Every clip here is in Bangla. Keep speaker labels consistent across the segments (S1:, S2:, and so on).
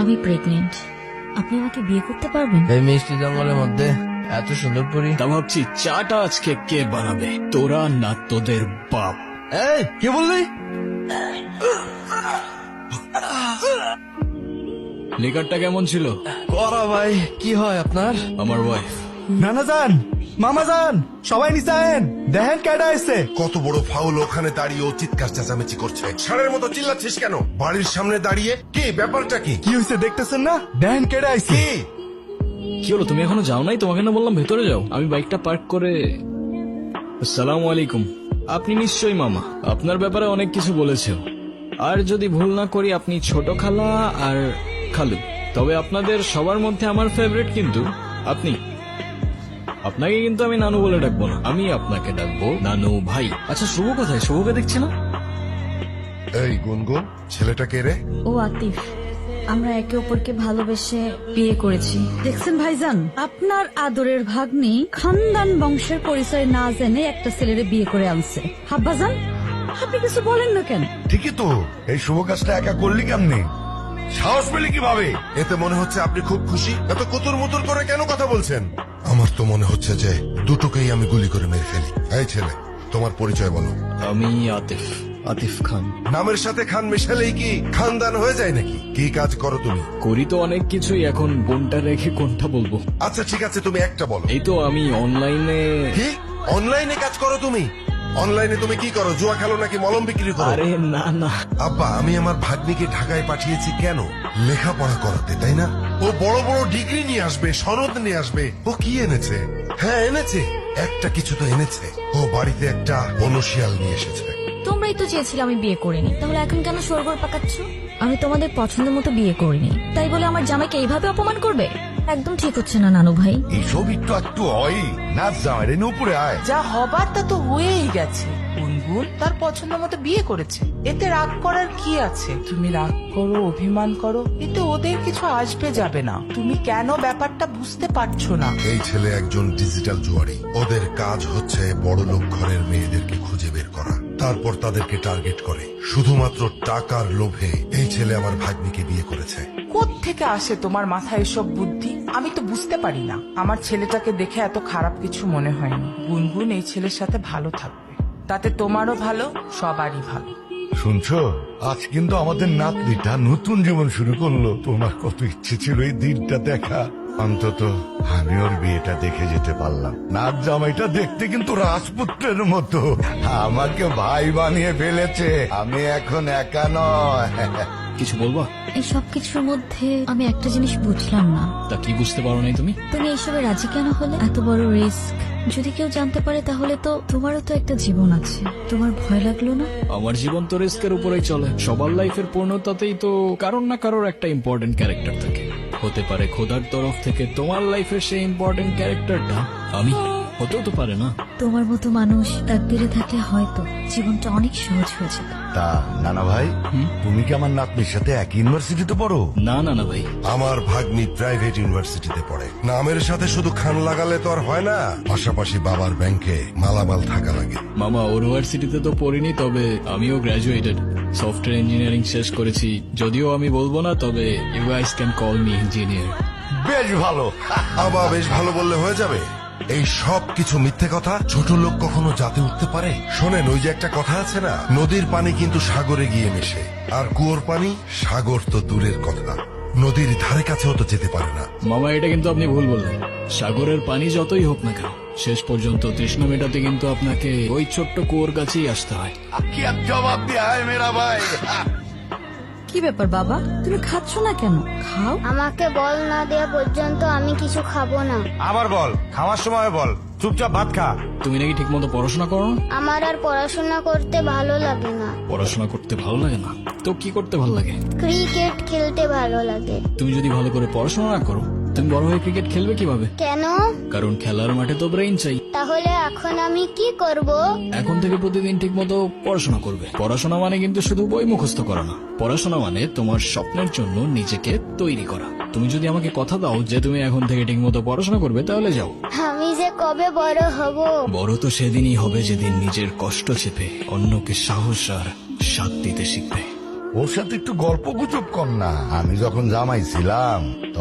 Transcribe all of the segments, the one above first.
S1: আমি প্রেগনেন্ট। আপনি আমাকে বিয়ে করতে পারবেন?
S2: এই মিষ্টি জঙ্গলের মধ্যে এত সুন্দর পরি।
S3: তা ভাবছি চাটা আজকে কে বানাবে, তোরা না তোদের বাপ?
S2: এই কে বললি?
S3: লিকারটা কেমন ছিল?
S2: করা ভাই, কি হয় আপনার?
S3: আমার ওয়াইফ।
S4: নানা যান, মামা যান, সবাই নিচে আয়েন, দেখেন কেডা এসছে।
S5: কত বড় ফাউল, ওখানে দাঁড়িয়ে ও চিৎকার চেঁচামেচি করছে। ষাঁড়ের মতো চিল্লাচ্ছিস কেন? বাড়ির সামনে দাঁড়িয়ে কি ব্যাপারটা কি?
S4: কি হয়েছে দেখতেছেন না? দেখেন কেডা আইছে।
S5: কি
S3: কি হলো, তুমি এখনো যাও নাই? তোমাকে না বললাম ভেতরে যাও। আমি বাইকটা পার্ক করে। আসসালামু আলাইকুম। আপনি নিশ্চয়ই মামা, আপনার ব্যাপারে অনেক কিছু বলেছে। আর যদি ভুল না করি আপনি ছোট খালা আর খালু। তবে আপনাদের সবার মধ্যে আমার ফেভারিট কিন্তু আপনি। আপনাকে কিন্তু আমি নানু বলে ডাকবো না, আমি আপনাকে ডাকবো নানু ভাই। আচ্ছা শুভ কোথায়? শুভকে দেখছে না?
S5: এই গুনগুন, ছেলেটা কে রে?
S1: ও আতিফ। আমরা একে অপরকে ভালোবেসে বিয়ে করেছি। দেখছেন ভাইজান, আপনার আদরের ভাগ্নি খানদান বংশের পরিচয় না জেনে একটা ছেলেরে বিয়ে করে আনছে। হাব্বাজান, আপনি কিছু বলেন না কেন?
S6: ঠিকই তো, এই শুভ কাজটা একা করলি কেমনে? সাহস পেলি কিভাবে?
S5: এতে মনে হচ্ছে আপনি খুব খুশি। এত কুতুর মুতুর করে কেন কথা বলছেন? আমার তো মনে হচ্ছে যে দুটোকেই আমি গুলি করে মেরে ফেলি। এই ছেলে, তোমার পরিচয় বলো।
S3: আমি আতিফ, আতিফ খান।
S5: নামের সাথে খান মেশালেই কি খানদান হয়ে যায় নাকি? কি কাজ করো তুমি?
S3: করি তো অনেক কিছুই, এখন কোনটা রেখে কোনটা বলবো?
S5: আচ্ছা ঠিক আছে, তুমি একটা বলো।
S3: এই তো আমি অনলাইনে।
S5: কি অনলাইনে কাজ করো তুমি? অনলাইনে তুমি কি করো? জুয়া খেলো নাকি মলম বিক্রি করো?
S3: আরে না না,
S5: আব্বা, আমি আমার ভাগ্নিকে ঢাকায় পাঠিয়েছি কেন? লেখাপড়া করাতে, তাই না? ও বড় বড় ডিগ্রি নিয়ে আসবে, সনদ নিয়ে আসবে। ও কি এনেছে? হ্যাঁ এনেছে, একটা কিছু তো এনেছে। ও বাড়িতে একটা বনশিয়াল নিয়ে এসেছে।
S1: তোমরাই তো চেয়েছিলে আমি বিয়ে করিনি, তাহলে এখন কেন সরগর পাকাচ্ছ? আমি তোমাদের পছন্দ মতো বিয়ে করিনি, তাই বলে আমার জামাইকে এইভাবে অপমান করবে? একদম ঠিক হচ্ছে না নানু ভাই।
S6: এইসব একটু একটু হয়। নাচ জামাই রে, উপরে আয়।
S7: যা হবার তা তো হয়েই গেছে। গুনগুন তার পছন্দ মতো বিয়ে করেছে, এতে রাগ করার কি আছে? তুমি রাগ করো, অভিমান করো, এতে ওদের কিছু আসবে যাবে না। তুমি কেন ব্যাপারটা বুঝতে পারছো না?
S5: এই ছেলে একজন ডিজিটাল জুয়ারি। ওদের কাজ হচ্ছে বড় লোক ঘরের মেয়েদেরকে খুঁজে বের করা, তারপর তাদেরকে টার্গেট করে। শুধুমাত্র টাকার লোভে এই ছেলে আমার ভাগ্নিকে বিয়ে করেছে।
S7: থেকে আসে তোমার মাথায় এসব বুদ্ধি? আমি তো বুঝতে পারি না। আমার ছেলেটাকে দেখে এত খারাপ কিছু মনে হয়নি। গুনগুন এই ছেলের সাথে ভালো থাকবে, তাতে তোমারও ভালো, সবারই ভালো।
S6: শুনছো, আজ কিন্তু আমাদের নাতনিটা নতুন জীবন শুরু করলো। তোমার কত ইচ্ছে ছিল এই দিনটা দেখা। অন্তত আমি ওর বিয়েটা দেখে যেতে পারলাম। নাচ জামাইটা দেখতে কিন্তু রাজপুত্রের মতো। আমাকে ভাই বানিয়ে ফেলেছে। আমি এখন একা নয়।
S3: কিছু বলবা?
S1: এই সব কিছুর মধ্যে আমি একটা জিনিস বুঝলাম না।
S3: তা কি বুঝতে পারো নাই তুমি?
S1: তুমি এইসবে রাজি কেন হলে? এত বড় রিস্ক যদি কেউ জানতে পারে তাহলে তো তোমারও তো একটা জীবন আছে। তোমার ভয় লাগলো না?
S3: আমার জীবন তো রিস্কের উপরেই চলে। সবার লাইফের পূর্ণতাতেই তো কারোর না কারোর একটা ইম্পর্টেন্ট ক্যারেক্টার থাকে। হতে পারে খোদার তরফ থেকে তোমার লাইফের সেই ইম্পর্টেন্ট ক্যারেক্টারটা আমি, হতেও তো পারে না।
S1: তোমার মতো মানুষ তাকদিরে থাকলে হয়তো জীবনটা অনেক সহজ হয়ে যেত।
S6: তা নানা ভাই, তুমি কি আমার নাতনির সাথে এক ইউনিভার্সিটিতে পড়ো?
S3: না না না ভাই,
S5: আমার ভাগ্নি প্রাইভেট ইউনিভার্সিটিতে পড়ে। নামের সাথে শুধু খান লাগালে তো আর হয় না, পাশাপাশি বাবার ব্যাংকে মালামাল থাকা লাগে।
S3: মামা ইউনিভার্সিটিতে তো পড়িনি, তবে আমিও গ্রাজুয়েটেড। সফটওয়্যার ইঞ্জিনিয়ারিং শেষ করেছি। যদিও আমি বলবো না, তবে you guys can call me engineer.
S6: বেশ ভালো।
S5: আবার বেশ ভালো বললে হয়ে যাবে? এই সব কিছু মিথ্যে কথা। ছোট লোক কখনো জাতে উঠতে পারে? শোনেন, ওই যে একটা কথা আছে না, নদীর পানি কিন্তু সাগরে গিয়ে মেশে, আর কুয়োর পানি সাগর তো দূরের কথা, নদীর ধারে কাছেও তো যেতে পারে না।
S3: মামা এটা কিন্তু আপনি ভুল বললেন। সাগরের পানি যতই হোক না কেন, শেষ পর্যন্ত তৃষ্ণা মেটাতে কিন্তু আপনাকে ওই ছোট্ট কুয়োর কাছেই আসতে হয়।
S6: কি আর জবাব দিয়া হয় মেরা ভাই।
S1: কি ব্যাপার বাবা, তুমি খাচ্ছ না কেন? খাও।
S8: আমাকে বল না দেওয়া পর্যন্ত আমি কিছু খাবো না।
S6: আবার বল, খাওয়ার সময় বল, চুপচাপ ভাত খা।
S3: তুমি নাকি ঠিক মতো পড়াশোনা করো না?
S8: আমার আর পড়াশোনা করতে ভালো লাগে না।
S3: পড়াশোনা করতে ভালো লাগে না তো কি করতে ভালো লাগে?
S8: ক্রিকেট খেলতে ভালো লাগে।
S3: তুমি যদি ভালো করে পড়াশোনা না করো, তুমি বড় হয়ে ক্রিকেট খেলবে কিভাবে?
S8: কেন?
S3: কারণ খেলার মাঠে তো ব্রেইন চাই।
S8: তাহলে এখন আমি কি করব?
S3: এখন থেকে প্রতিদিন ঠিক মতো পড়াশোনা করবে। পড়াশোনা মানে কিন্তু শুধু বই মুখস্থ করা না। পড়াশোনা মানে তোমার স্বপ্নের জন্য নিজেকে তৈরি করা। তুমি যদি আমাকে কথা দাও যে তুমি এখন থেকে ঠিক মতো পড়াশোনা করবে, তাহলে যাও।
S8: আমি যে কবে বড় হব?
S3: বড় তো সেদিনই হবে যেদিন নিজের কষ্ট চেপে অন্যকে সাহস আর সাথ দিতে শিখবে।
S6: ওর সাথে একটু গল্প গুজব কর না। আমি যখন জামাই ছিলাম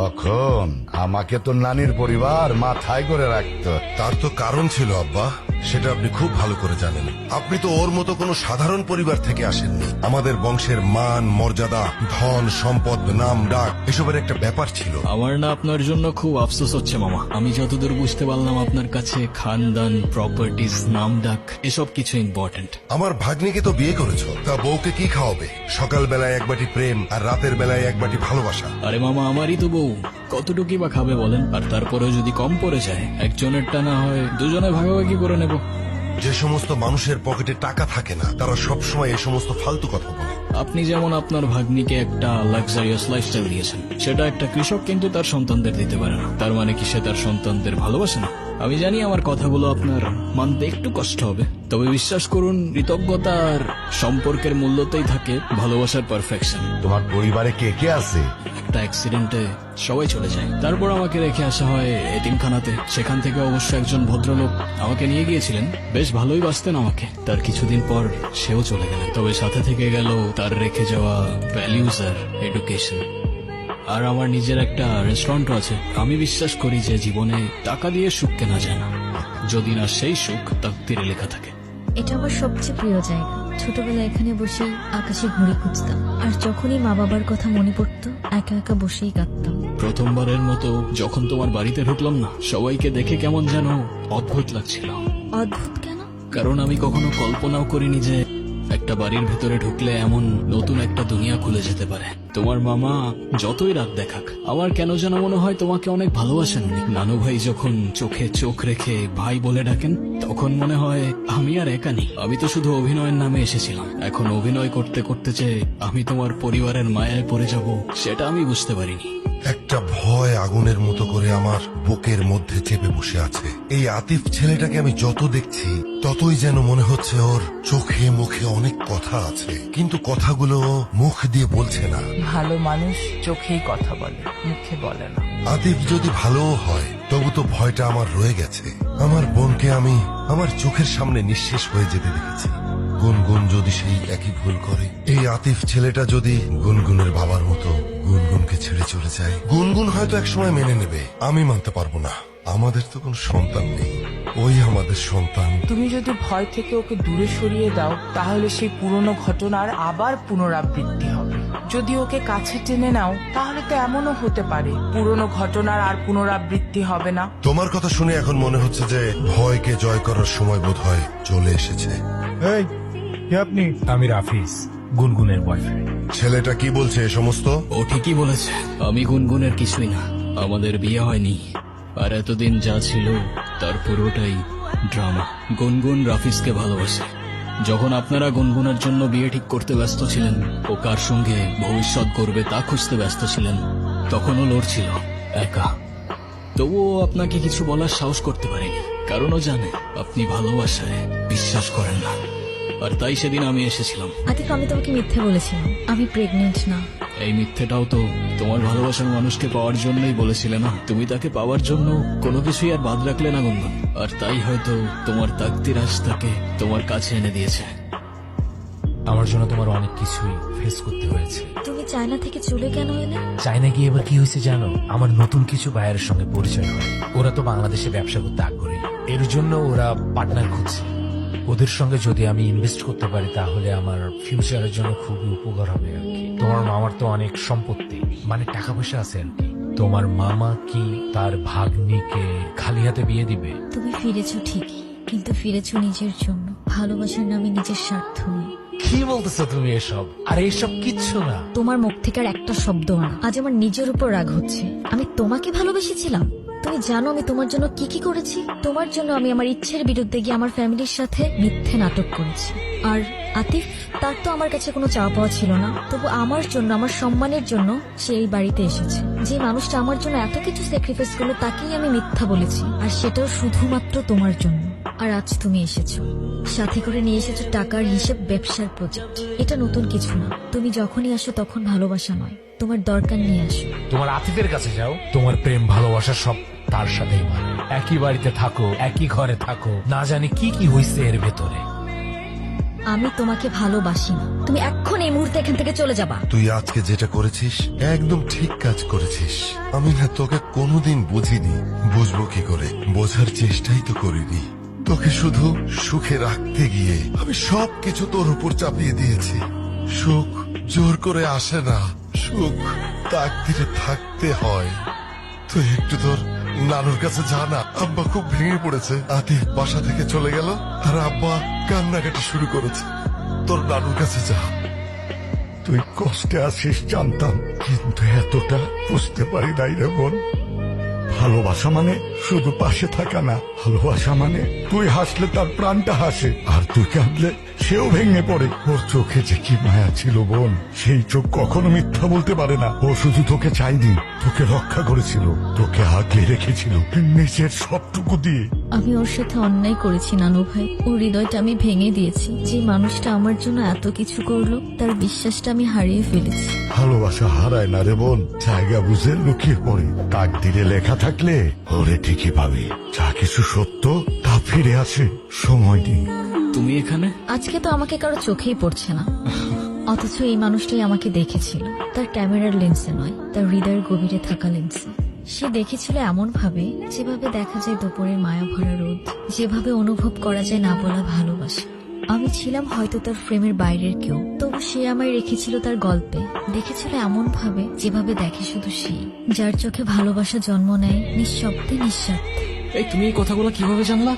S6: তখন আমাকে তো নানির পরিবার মাথায় করে রাখতো।
S5: তার তো কারণ ছিল আব্বা, সেটা আপনি খুব ভালো করে জানেন। আপনি তো ওর মতো কোনো সাধারণ পরিবার থেকে আসেননি। আমাদের বংশের মান মর্যাদা, ধন সম্পদ, নাম ডাক এসবের একটা ব্যাপার ছিল।
S3: আমার না আপনার জন্য খুব আফসোস হচ্ছে মামা। আমি যতদূর বুঝতে পারলাম আপনার কাছে খানদান, প্রপার্টিজ, নাম ডাক এসব কিছু ইম্পর্টেন্ট।
S5: আমার ভাগ্নিকে তো বিয়ে করেছো, তা বউকে কি খাওয়াবে? সকাল বেলায় এক বাটি প্রেম আর রাতের বেলায় এক বাটি ভালোবাসা।
S3: আরে মামা, আমারই তো বউ, কতটুকুই বা খাবে বলেন? আর তারপরেও যদি কম পড়ে যায়, একজনেরটা না হয় দুজনে ভাগাভাগি করে নেব।
S5: যে সমস্ত মানুষের পকেটে টাকা থাকে না, তারা সবসময় এই সমস্ত ফালতু কথা বলে।
S3: আপনি যেমন আপনার ভাগ্নিকে একটা লাক্সারিয়াস লাইফস্টাইল দিয়েছেন, সেটা একটা কৃষক কিন্তু তার সন্তানদের দিতে পারে না। তার মানে কি সে তার সন্তানদের ভালোবাসে না? আমি জানি আমার কথাগুলো আপনার মানতে একটু কষ্ট হবে, তবে বিশ্বাস করুন, কৃতজ্ঞতা আর সম্পর্কের মূল্যতেই থাকে ভালোবাসার পারফেকশন।
S6: তোমার পরিবারে কে কে আছে?
S3: একটা অ্যাক্সিডেন্টে সবাই চলে যায়, তারপর আমাকে রেখে আসা হয় এতিমখানাতে। সেখান থেকে অবশ্য একজন ভদ্রলোক আমাকে নিয়ে গিয়েছিলেন, বেশ ভালোই বাসতেন আমাকে। তার কিছুদিন পর সেও চলে গেলেন, তবে সাথে থেকে গেল তার রেখে যাওয়া ভ্যালিউজ আর এডুকেশন। আর আমার নিজের একটা রেস্টুরেন্টও আছে। আমি বিশ্বাস করি যে জীবনে টাকা দিয়ে সুখ কেনা যায় না, যদি না সেই সুখ তাকদীরে লেখা থাকে।
S9: এটা আমার সবচেয়ে প্রিয় জায়গা। ছোটবেলায় এখানে বসেই আকাশে ঘুড়ি খুঁজতাম, আর যখনই মা বাবার কথা মনে পড়তো একা একা বসেই কাঁদতাম।
S3: প্রথমবারের মতো যখন তোমার বাড়িতে ঢুকলাম না, সবাইকে দেখে কেমন যেন অদ্ভুত লাগছিল।
S9: অদ্ভুত কেন?
S3: কারণ আমি কখনো কল্পনাও করিনি যে একটা বাড়ির ভেতরে ঢুকলে এমন নতুন একটা দুনিয়া খুলে যেতে পারে। তোমার মামা যতই রাগ দেখাক, আমার কেন যেন মনে হয় তোমাকে অনেক ভালোবাসেন উনি। নানু ভাই যখন চোখে চোখ রেখে ভাই বলে ডাকেন, তখন মনে হয় আমি আর একা নেই। আমি তো শুধু অভিনয়ের নামে এসেছিলাম, এখন অভিনয় করতে করতে যে আমি তোমার পরিবারের মায়ায় পড়ে যাব, সেটা আমি বুঝতে পারিনি।
S5: একটা ভয় আগুনের মতো করে আমার বুকের মধ্যে চেপে বসে আছে। এই আতিফ ছেলেটাকে আমি যত দেখছি, ততই যেন মনে হচ্ছে ওর চোখে মুখে অনেক কথা আছে, কিন্তু কথাগুলো ও মুখ দিয়ে বলছে না।
S7: ভালো মানুষ চোখেই কথা বলে, মুখে বলে না।
S5: আতিফ যদি ভালোও হয়, তবু তো ভয়টা আমার রয়ে গেছে। আমার বোনকে আমি আমার চোখের সামনে নিঃশেষ হয়ে যেতে দেখেছি। গুনগুন যদি সেই একই ভুল করে, এই আতিফ ছেলেটা যদি গুনগুনের বাবার মতো গুনগুনকে ছেড়ে চলে যায়, গুনগুন হয়তো একসময় মেনে নেবে, আমি মানতে পারবো না। আমাদের তো কোনো সন্তান নেই, ওই আমাদের সন্তান।
S7: তুমি যদি ভয় থেকে ওকে দূরে সরিয়ে দাও, তাহলে সেই পুরনো ঘটনার আবার পুনরাবৃত্তি হবে। যদি ওকে কাছে টেনে নাও, তাহলে তো এমনও হতে পারে পুরনো ঘটনার আর পুনরাবৃত্তি হবে না।
S5: তোমার কথা শুনে এখন মনে হচ্ছে যে ভয়কে জয় করার সময় বোধহয় চলে এসেছে।
S4: এই কে আপনি? আমি রাফিজ, গুনগুনের বয়ফ্রেন্ড।
S5: ছেলেটা কি বলছে এ সমস্ত?
S3: ও ঠিকই বলেছে, আমি গুনগুনের কিছুই না। আমাদের বিয়ে হয়নি, আর এতদিন যা ছিল তার পুরোটাই ড্রামা। গুনগুন রাফিজকে ভালোবাসে। যখন আপনারা গুনগুনের জন্য বিয়ে ঠিক করতে ব্যস্ত ছিলেন, ও কার সঙ্গে ভবিষ্যৎ করবে তা খুঁজতে ব্যস্ত ছিলেন, তখনও লড়ছিল একা। তবুও আপনাকে কিছু বলার সাহস করতে পারেনি, কারণ ও জানে আপনি ভালোবাসায় বিশ্বাস করেন না। আর তাই সেদিন আমি এসেছিলাম।
S9: আতিফ, আমি তোমাকে মিথ্যে বলেছিলাম, আমি প্রেগনেন্ট না।
S3: এই মিথ্যেটাও তো তোমার ভালোবাসার মানুষকে পাওয়ার জন্যই বলেছিলে না? তুমি তাকে পাওয়ার জন্য কোনো কিছুই আর বাদ রাখলে না গুনগুন, আর তাই হয়তো তোমার তাকদীর আজ তাকে তোমার কাছে এনে দিয়েছে।
S10: আমার জন্য তোমার অনেক কিছুই ফেস করতে হয়েছে।
S9: তুমি চায়না থেকে চলে কেন এলে?
S10: চায়না গিয়ে এবার কি হয়েছে জানো? আমার নতুন কিছু বায়ারের সঙ্গে পরিচয় হয়। ওরা তো বাংলাদেশে ব্যবসা করতে আগ্রহী, এর জন্য ওরা পার্টনার খুঁজছে। ওদের সঙ্গে যদি আমি ইনভেস্ট করতে পারি, তাহলে আমার ফিউচারের জন্য খুবই উপকার হবে আর কি। তোমার মামার তো অনেক সম্পত্তি, মানে টাকা পয়সা আছে আর কি। তোমার মামা কি তার ভাগ্নিকে খালি হাতে বিয়ে দিবে?
S9: তুমি ফিরেছো ঠিকই, কিন্তু ফিরেছো নিজের জন্য, ভালোবাসার নামে নিজের স্বার্থ নয়।
S10: কি বলতেছো তুমি এসব? আর এইসব কিচ্ছু না।
S9: তোমার মুখ থেকে আর একটা শব্দ না। আজ আমার নিজের উপর রাগ হচ্ছে। আমি তোমাকে ভালোবেসেছিলাম। তুমি জানো আমি তোমার জন্য কি কি করেছি? তোমার জন্য আমি আমার ইচ্ছের বিরুদ্ধে গিয়ে আমার ফ্যামিলির সাথে মিথ্যে নাটক করেছি। আর আতিফ, তার তো আমার কাছে কোনো চাওয়া পাওয়া ছিল না, তবু আমার জন্য, আমার সম্মানের জন্য সে এই বাড়িতে এসেছে। যে মানুষটা আমার জন্য এত কিছু স্যাক্রিফাইস করলো, তাকেই আমি মিথ্যা বলেছি, আর সেটাও শুধুমাত্র তোমার জন্য। আর আজ তুমি এসেছো, সাথে করে নিয়ে এসেছো টাকার হিসেব, ব্যবসার প্রজেক্ট। এটা নতুন কিছু না। তুমি যখনই আসো তখন ভালোবাসা নয়, তোমার দরকার নিয়ে আসো।
S10: তোমার আতিফের কাছে যাও, তোমার প্রেম ভালোবাসা সব তার সাথেই মানে। একই বাড়িতে থাকো, একই ঘরে থাকো, না জানি কি কি হয়েছে এর ভেতরে।
S9: আমি তোমাকে ভালোবাসি না। তুমি এখন এই মুহূর্তে এখান থেকে চলে যাবা।
S5: তুই আজকে যেটা করেছিস একদম ঠিক কাজ করেছিস। আমি না তোকে কোনোদিন বুঝিনি, বুঝবো কি করে, বোঝার চেষ্টাই তো করিনি। তোকে শুধু সুখে রাখতে গিয়ে আমি সবকিছু তোর উপর চাপিয়ে দিয়েছি। সুখ জোর করে আসে না, সুখ তাকদিরে থাকতে হয়। তুই একটু তোর নানুর কাছে যা না। আব্বা খুব ভেঙে পড়েছে। আতিফ বাসা থেকে চলে গেল আর আব্বা কান্নাকাটি শুরু করেছে। তোর নানুর কাছে যা।
S6: তুই কষ্টে আছিস জানতাম, কিন্তু এতটা বুঝতে পারি নাই রে বোন। ভালোবাসা মানে শুধু পাশে থাকা না, ভালোবাসা মানে তুই হাসলে তার প্রাণটা হাসে, আর তুই কাঁদলে সেও ভেঙে পড়ে। ওর চোখে যে কি মায়া ছিল বোন, সেই চোখ কখনো মিথ্যা বলতে পারে না। ও শুধু তোকে চাইনি, তোকে রক্ষা করেছিল, তোকে আগলে রেখেছিল নিজের সবটুকু দিয়ে।
S9: আমি ওর সাথে অন্যায় করেছি নানু ভাই। ওর হৃদয়টা আমি ভেঙে দিয়েছি। যে মানুষটা আমার জন্য এত কিছু করলো, তার বিশ্বাসটা আমি হারিয়ে ফেলেছি।
S6: ভালোবাসা হারায় না রে বোন, জায়গা বুঝে লুকিয়ে পড়ে। তাকদিরে লেখা থাকলে ওরে ঠিকই পাবে। যা কিছু সত্য তা ফিরে আসে, সময় নেই।
S3: তুমি এখানে?
S9: আজকে তো আমাকে কারো চোখেই পড়ছে না, অথচ এই মানুষটাই আমাকে দেখেছিল। তার ক্যামেরার লেন্সে নয়, তার হৃদয়ের গভীরে থাকা লেন্সে। সে দেখেছিল এমন ভাবে যেভাবে দেখা যায় দুপুরের মায়া ভরা রোদ, যেভাবে অনুভব করা যায় না বলা ভালোবাসা। আমি ছিলাম হয়তো তার ফ্রেমের বাইরের কেউ, তবু সে আমায় রেখেছিল তার গল্পে। দেখেছিল এমন ভাবে যেভাবে দেখে শুধু সেই, যার চোখে ভালোবাসা জন্ম নেয় নিঃশব্দে নিঃস্বার্থে।
S3: এই তুমি এই কথাগুলো কিভাবে জানলা?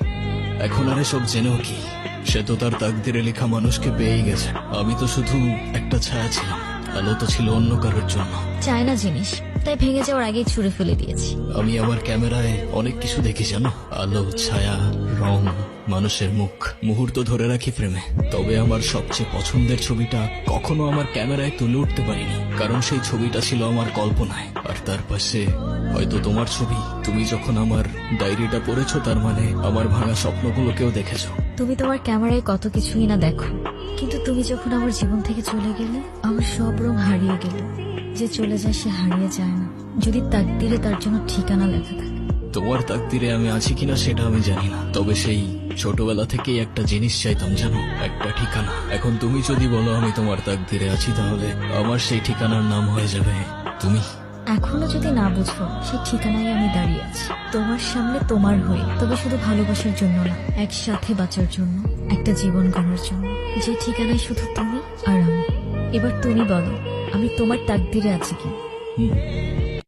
S3: এখন আর এসব জেনেও কি? সে তো তার তাকদিরে লেখা মানুষকে পেয়েই গেছে। আমি তো শুধু একটা ছায়া ছিলাম, আলো তো ছিল অন্য কারোর জন্য।
S9: চায় না জিনিস, তাই ভেঙে যাওয়ার আগেই ছুঁড়ে ফেলে দিয়েছি।
S3: আমি আমার ক্যামেরায় অনেক কিছু দেখি জানো, আলো, ছায়া, রং, মানুষের মুখ, মুহূর্ত ধরে রাখি ফ্রেমে। তবে আমার সবচেয়ে পছন্দের ছবিটা কখনো আমার ক্যামেরায় তুলে উঠতে পারিনি, কারণ সেই ছবিটা ছিল আমার কল্পনায়। আর তার পাশে হয়তো তোমার ছবি। তুমি যখন আমার ডায়েরিটা পড়েছো, তার মানে আমার ভাঙা স্বপ্নগুলোকেও দেখেছো।
S9: তুমি তোমার ক্যামেরায় কত কিছুই না দেখো, কিন্তু তুমি যখন আমার জীবন থেকে চলে গেলে, আমার সব রং হারিয়ে গেল। যে চলে যায় সে হারিয়ে যায় না, যদি তাকদিরে তার জন্য ঠিকানা লেখা থাকে।
S3: তোমার তাকদিরে আমি আছি কিনা সেটা আমি জানি না, তবে সেই ছোটবেলা থেকেই একটা জিনিস চাইতাম জানো, একটা ঠিকানা। এখন তুমি যদি বলো আমি তোমার তাকদিরে আছি, তাহলে আমার সেই ঠিকানার নাম হয়ে যাবে তুমি।
S9: এখনো যদি না বুঝো, সেই ঠিকানায় আমি দাঁড়িয়ে আছি তোমার সামনে, তোমার হয়ে। তবে শুধু ভালোবাসার জন্য না, একসাথে বাঁচার জন্য, একটা জীবন গড়ার জন্য। যে ঠিকানায় শুধু তুমি আর আমি। এবার তুমি বলো, আমি তোমার তাকদিরে আছি কি?